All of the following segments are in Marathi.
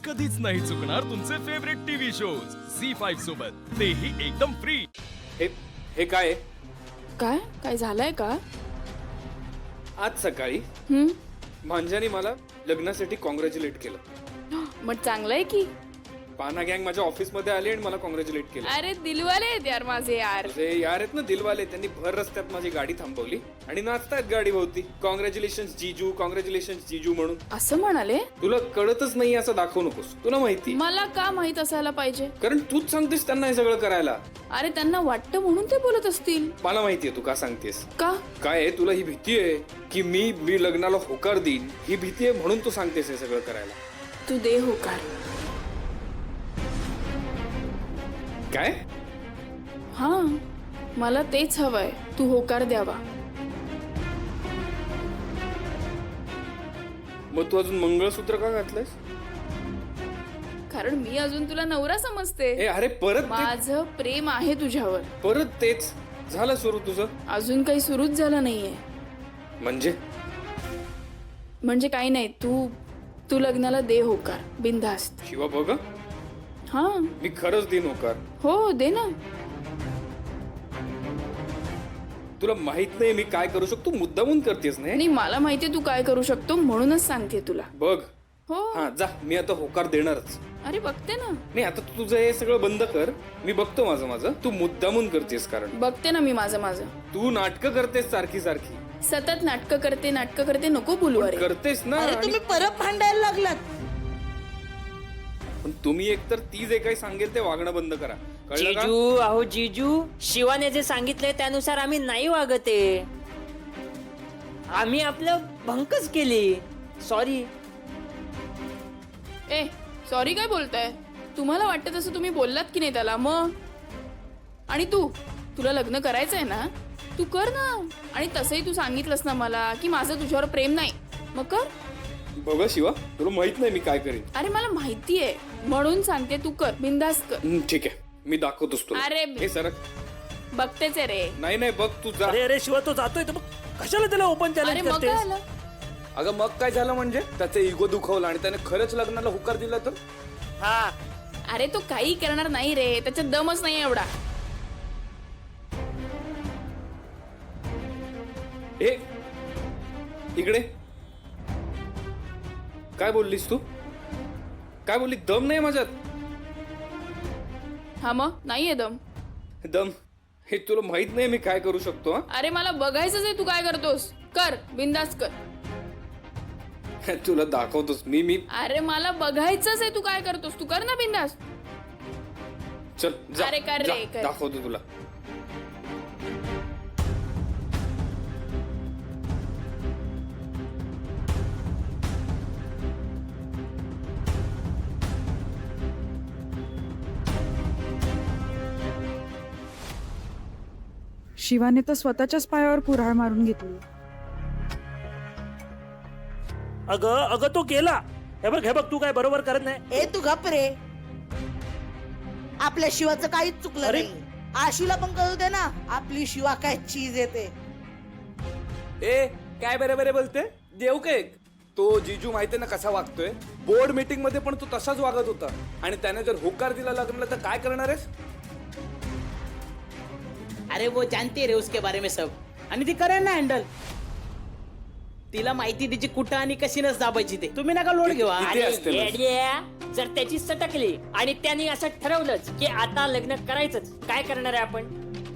कधीच नाही चुकणार तुमचे फेवरेट टीव्ही शोज झी5 सोबत, तेही एकदम फ्री। हे काय काय काय झालंय का? आज सकाळी भांजानी मला लग्नासाठी कॉंग्रॅच्युलेट केलं। मग चांगलंय की। पाना गँग माझ्या ऑफिस मध्ये आली आणि मला कॉंग्रॅच्युलेट केलं। अरे दिलवाले आहेत यार माझे यार। अरे यार आहेत ना दिलवाले, त्यांनी भर रस्त्यात माझी गाडी थांबवली आणि नाचतायत गाडी भोवती, कॉंग्रॅच्युलेशन्स जीजू म्हणून। असं म्हणाले? तुला कळतच नाही असं दाखवू नकोस, तुला माहिती। मला का माहित असायला पाहिजे? कारण तूच सांगतेस त्यांना हे सगळं करायला। अरे त्यांना वाटतं म्हणून ते बोलत असतील। मला माहितीये तू का सांगतेस। का? काय आहे, तुला ही भीती आहे की मी लग्नाला होकार देईन, ही भीती आहे म्हणून तू सांगतेस हे सगळं करायला। तू दे होकार। काय? हा, मला तेच हवंय, तू होकार द्यावा। मग तू अजून मंगळसूत्र का घातलंयस? कारण मी अजून तुला नवरा समजते। अरे परत माझं प्रेम आहे तुझ्यावर। परत तेच झालं सुरू तुझं? अजून काही सुरूच झालं नाहीये। म्हणजे काही नाही, तू लग्नाला दे होकार बिनधास्त। शिवा बघ, हा मी खरंच देईन होकार। हो दे ना। तुला माहित नाही मी काय करू शकतो, मुद्दामून करतेस नाही? नाही, मला माहितीये तू काय करू शकतो म्हणूनच सांगते तुला। बघ हो। हा जा, मी आता होकार देणारच। अरे बघते ना। नाही आता तू तुझं हे सगळं बंद कर, मी बघतो माझं। तू मुद्दामून करतेस, कारण बघते ना मी माझं। तू नाटकं करतेस सारखी सतत नाटकं करते नको बोलू। अरे करतेस ना। अरे तुम्ही परत भांडायला लागलात। पण तुम्ही एकतर ती जे काही सांगेल ते वागणं बंद करा, कळलं का? जीजू, अहो जीजू, शिवाने जे सांगितलंय त्यानुसार आम्ही नाही वागते। आम्ही आपलं भंकच केली। सॉरी। ए सॉरी काय बोलताय? तुम्हाला वाटतं तसं तुम्ही बोललात की नाही त्याला? मग आणि तुला लग्न करायचंय ना, तू कर ना। आणि तसंही तू सांगितलंस ना मला की माझं तुझ्यावर प्रेम नाही, मग कर। बघ शिवा, तुला माहित नाही मी काय करीन। अरे मला माहितीये म्हणून सांगते, तू कर, बिंदास कर। ठीक आहे, मी दाखवतोस तुला। अरे हे सरक। बघतेच आहे रे। नाही बघ तू जा। अरे शिवा, तो जातोय तर मग कशाला त्याला ओपन अरे चॅलेंज मग काय करतेस? आलं? अगं मग काय झालं म्हणजे? त्याचा इगो दुखवला आणि त्याने खरंच लग्नाला होकार दिला तर? हा, अरे तो काही करणार नाही रे, त्याच्यात दमच नाही एवढा। ए इकडे काय बोललीस तू? काय बोलली? दम नाही माझ्यात? हा मग नाहीये दम? दम हे तुला माहित नाही मी काय करू शकतो? अरे मला बघायचंच आहे तू काय करतोस, कर बिंदास कर। तुला दाखवतोस मी अरे मला बघायचंच आहे तू काय करतोस, तू कर ना बिंदास। चल जा, अरे कर जा, रे, कर। दाखवतो तुला। शिवाने तर स्वतःच्याच पायावर कुऱ्हाड मारून घेतली। अगं तो गेला। हे बघ तू काय बरोबर करत नाही। ए तू गप रे, आपल्या शिवाचं काहीच चुकलं अरे. नाही। आशूला पण कळू दे ना, आपली शिवा काय चीज येते। ए काय बरे बोलते? देऊ काय? तो जीजू माहितीये ना कसा वागतोय? बोर्ड मीटिंग मध्ये पण तो तसाच वागत होता आणि त्याने जर होकार दिला लग्नाला तर काय करणार आहेस? अरे वो जानते रे उसके बारे में सब, आणि ती करेन ना हँडल। तिला माहिती तिची कुठं आणि कशी नस दाबायची ते, तुम्ही नका लोड घेऊ। किती अरे असते ना? येड्या, जर त्याची सटकली आणि त्यांनी असं ठरवलंच की आता लग्न करायचंच, काय करणार आहे आपण?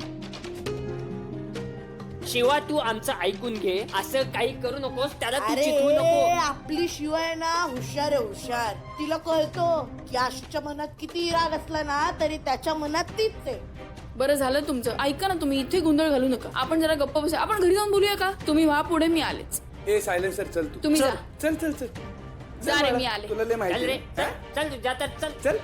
शिवा तू आमचं ऐकून घे, असं काही करू नकोस, त्याला तू अरे चिथवू नको। आपली शिवा आहे ना हुशार आहे, हुशार। तिला कळतो की आशूच्या मनात किती राग असला ना तरी त्याच्या मनात तीच आहे। बरं झालं तुमचं, ऐका ना तुम्ही, इथे गोंधळ घालू नका। आपण जरा गप्प बसूया, आपण घरी जाऊन बोलूया का? तुम्ही व्हा पुढे, मी आलेच। ए सायलेन्सर चल तू, तुम्ही जा। चल जा रे, मी आले। तुला लय चल माहिती रे, आहे. चल तू जातात, चल चल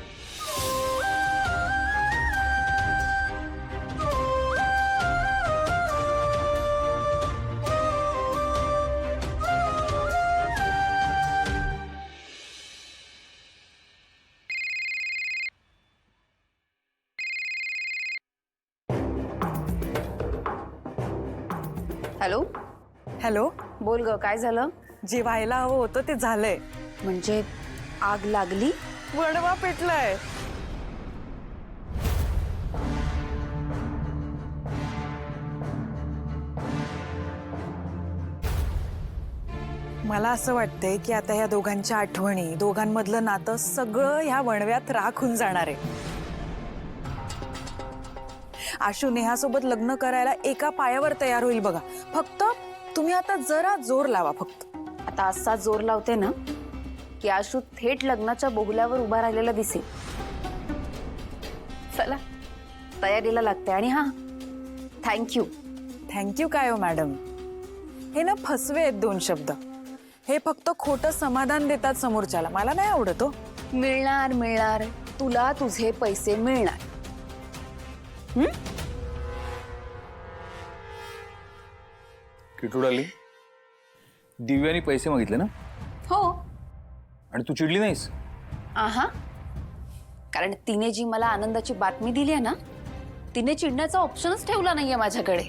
हॅलो हॅलो, बोल ग, काय झालं? जे व्हायला हवं होतं ते झालंय। म्हणजे आग लागली? वणवा पेटलाय. मला असं वाटतंय की आता ह्या दोघांच्या आठवणी, दोघांमधलं नातं सगळं ह्या वणव्यात राख होऊन जाणार आहे. आशू नेहासोबत लग्न करायला एका पायावर तयार होईल बघा. फक्त तुम्ही आता जरा जोर लावा. फक्त आता असा जोर लावते ना की आशू थेट लग्नाच्या बोगल्यावर उभा राहिलेला दिसेल. चला तयारीला लागते. आणि हा थँक्यू. थँक्यू काय हो मॅडम, हे ना फसवे आहेत 2 शब्द. हे फक्त खोटं समाधान देतात समोरच्याला. मला नाही आवडत हो. मिळणार मिळणार, तुला तुझे पैसे मिळणार. किटूड आली. दिव्याने पैसे मागितले ना? हो. आणि तू चिडली नाहीस? आहा, कारण तिने जी मला आनंदाची बातमी दिली आहे ना, तिने चिडण्याचा ऑप्शनच ठेवला नाहीये माझ्याकडे.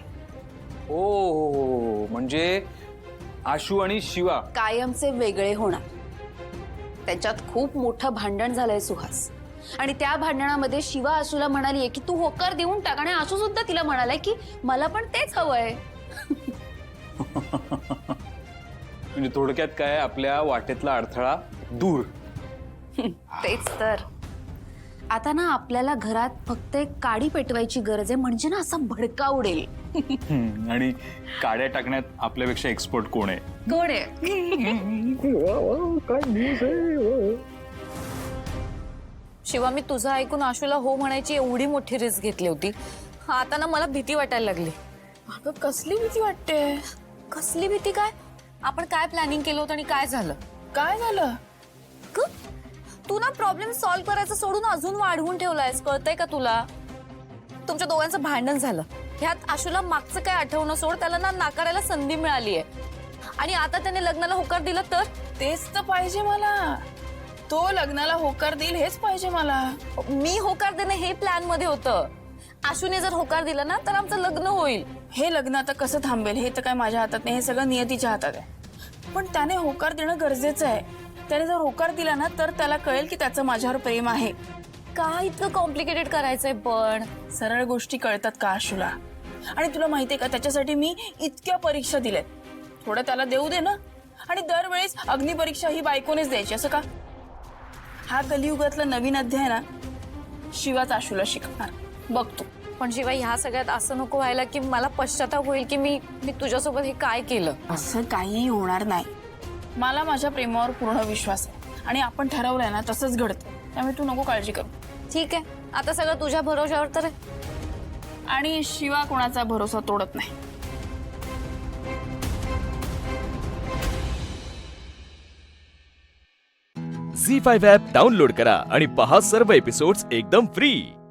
ओ म्हणजे आशू आणि शिवा कायमचे वेगळे होणार. त्याच्यात खूप मोठं भांडण झालंय सुहास. आणि त्या भांडणामध्ये शिवा आशूला म्हणालीये की तू होकार देऊन टाक. आणि आशू सुद्धा तिला म्हणालाय की मला पण तेच हवंय. म्हणजे थोडक्यात काय, आपल्या वाटेतला अडथळा दूर. तेच तर. आता ना आपल्याला घरात फक्त एक काडी पेटवायची गरज आहे, म्हणजे ना असा भडका उडेल. आणि काड्या टाकण्यात आपल्यापेक्षा एक्सपर्ट कोण आहे? कोण आहे? शिवा, मी तुझं ऐकून आशूला हो म्हणायची एवढी मोठी रिस्क घेतली होती. आता ना मला भीती वाटायला लागली. अगं कसली भीती वाटते? कसली भीती काय? आपण काय प्लॅनिंग केलं होतं आणि काय झालं? काय झालं? तू ना प्रॉब्लेम सॉल्व्ह करायचं सोडून अजून वाढवून ठेवलायस. कळतंय का तुला? तुमच्या दोघांचं भांडण झालं. ह्यात आशूला मागचं काय आठवणं सोड, त्याला ना नाकारायला संधी मिळाली आहे. आणि आता त्याने लग्नाला होकार दिला तर? तेच तर पाहिजे मला. तो लग्नाला होकार देईल हेच पाहिजे मला. मी होकार देणं हे प्लॅन मध्ये होतं. आशूने जर होकार दिला ना तर आमचं लग्न होईल. हे लग्न आता कसं थांबेल हे तर काय माझ्या हातात नाही. हे सगळं नियतीच्या हातात आहे. पण त्याने होकार देणं गरजेचं आहे. त्याने जर होकार दिला ना तर त्याला कळेल की त्याचं माझ्यावर प्रेम आहे. का इतकं कॉम्प्लिकेटेड करायचंय? पण सरळ गोष्टी कळतात का आशूला? आणि तुला माहितीये का, त्याच्यासाठी मी इतक्या परीक्षा दिल्यात. थोडं त्याला देऊ दे ना. आणि दरवेळेस अग्निपरीक्षा ही बायकोनेच द्यायची असं का? हा कलियुगातला नवीन अध्याय ना शिवाच आशूला शिकणार. बघ तू. पण शिवाय ह्या सगळ्यात असं नको व्हायला की मला पश्चाताप होईल की मी तुझ्यासोबत हे काय केलं. असं काहीही होणार नाही. मला माझ्या प्रेमावर पूर्ण विश्वास आहे. आणि आपण ठरवलंय ना तसंच घडतं. त्यामुळे तू नको काळजी करू. ठीक आहे, आता सगळं तुझ्या भरोशावर तर आहे. आणि शिवा कोणाचा भरोसा तोडत नाही. झी 5 ॲप डाउनलोड करा आणि पहा सर्व एपिसोड्स एकदम फ्री.